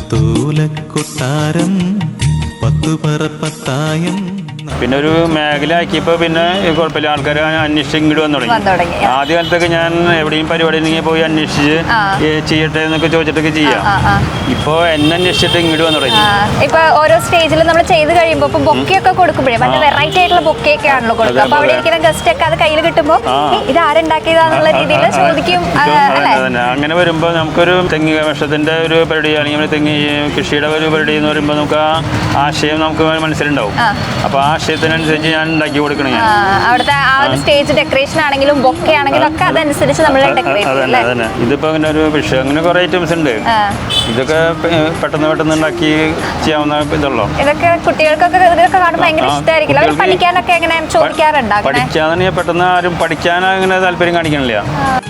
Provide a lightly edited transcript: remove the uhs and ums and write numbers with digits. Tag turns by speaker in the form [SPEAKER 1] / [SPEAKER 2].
[SPEAKER 1] പത്തോലക്കൊട്ടാരം പത്തുപറപ്പത്തായം.
[SPEAKER 2] പിന്നെ ഒരു മേഖല ആക്കിയപ്പോൾ പിന്നെ കുഴപ്പമില്ല, ആൾക്കാർ അന്വേഷിച്ച് ഇങ്ങോട്ട് വന്നു തുടങ്ങി. ആദ്യ കാലത്തൊക്കെ ഞാൻ എവിടെയും പരിപാടി ഉണ്ടെങ്കിൽ പോയി അന്വേഷിച്ച് ചെയ്യട്ടെ എന്നൊക്കെ ചോദിച്ചിട്ടൊക്കെ ചെയ്യാം. ഇപ്പോൾ എന്നെ അന്വേഷിച്ചിട്ട് ഇങ്ങോട്ട് വന്നു തുടങ്ങി.
[SPEAKER 3] ഇപ്പൊ ഓരോ സ്റ്റേജിൽ നമ്മൾ ചെയ്ത് കഴിയുമ്പോൾ ഇപ്പൊ ബൊക്കെയൊക്കെ കൊടുക്കുമ്പോഴേ നല്ല വെറൈറ്റി ആയിട്ടുള്ള ബൊക്കെയൊക്കെ ആണല്ലോ കൊടുക്കുക. അപ്പൊ അവിടെ ഇരിക്കുന്ന ഗസ്റ്റ് ഒക്കെ അത് കയ്യിൽ കിട്ടുമ്പോൾ ഇത് ആരുണ്ടാക്കിയതാന്നുള്ള രീതിയിൽ ചോദിക്കും.
[SPEAKER 2] അങ്ങനെ വരുമ്പോൾ നമുക്കൊരു തെങ്ങ് വർഷത്തിന്റെ ഒരു പരിപാടി അല്ലെങ്കിൽ തെങ്ങ് കൃഷിയുടെ ഒരു പരിപാടി എന്ന് പറയുമ്പോൾ നമുക്ക് ആ ആശയം നമുക്ക് മനസ്സിലുണ്ടാവും. അപ്പൊ ആ ആശയത്തിനനുസരിച്ച് ഞാൻ ഉണ്ടാക്കി കൊടുക്കണം.
[SPEAKER 3] അവിടുത്തെ ആ ഒരു സ്റ്റേജ് ഡെക്കറേഷൻ ആണെങ്കിലും ബൊക്കെ ആണെങ്കിലും ഒക്കെ അതനുസരിച്ച് നമ്മൾ ഡെക്കറേറ്റ്.
[SPEAKER 2] ഇതിപ്പോ അങ്ങനെ ഒരു വിഷയം അങ്ങനെ കുറെ ഐറ്റംസ് ഉണ്ട്. ഇതൊക്കെ പെട്ടെന്ന് ഉണ്ടാക്കി ചെയ്യാവുന്ന ഇതുള്ളൂ.
[SPEAKER 3] ഇതൊക്കെ കുട്ടികൾക്കൊക്കെ ഇതൊക്കെ കാണുമ്പോൾ ഭയങ്കര ഇഷ്ടമായിരിക്കില്ല. അവർ പഠിക്കാനൊക്കെ എങ്ങനെ ചോദിക്കാറുണ്ട്?
[SPEAKER 2] പഠിക്കാന്ന് പെട്ടെന്ന് ആരും പഠിക്കാൻ അങ്ങനെ താല്പര്യം കാണിക്കണില്ല.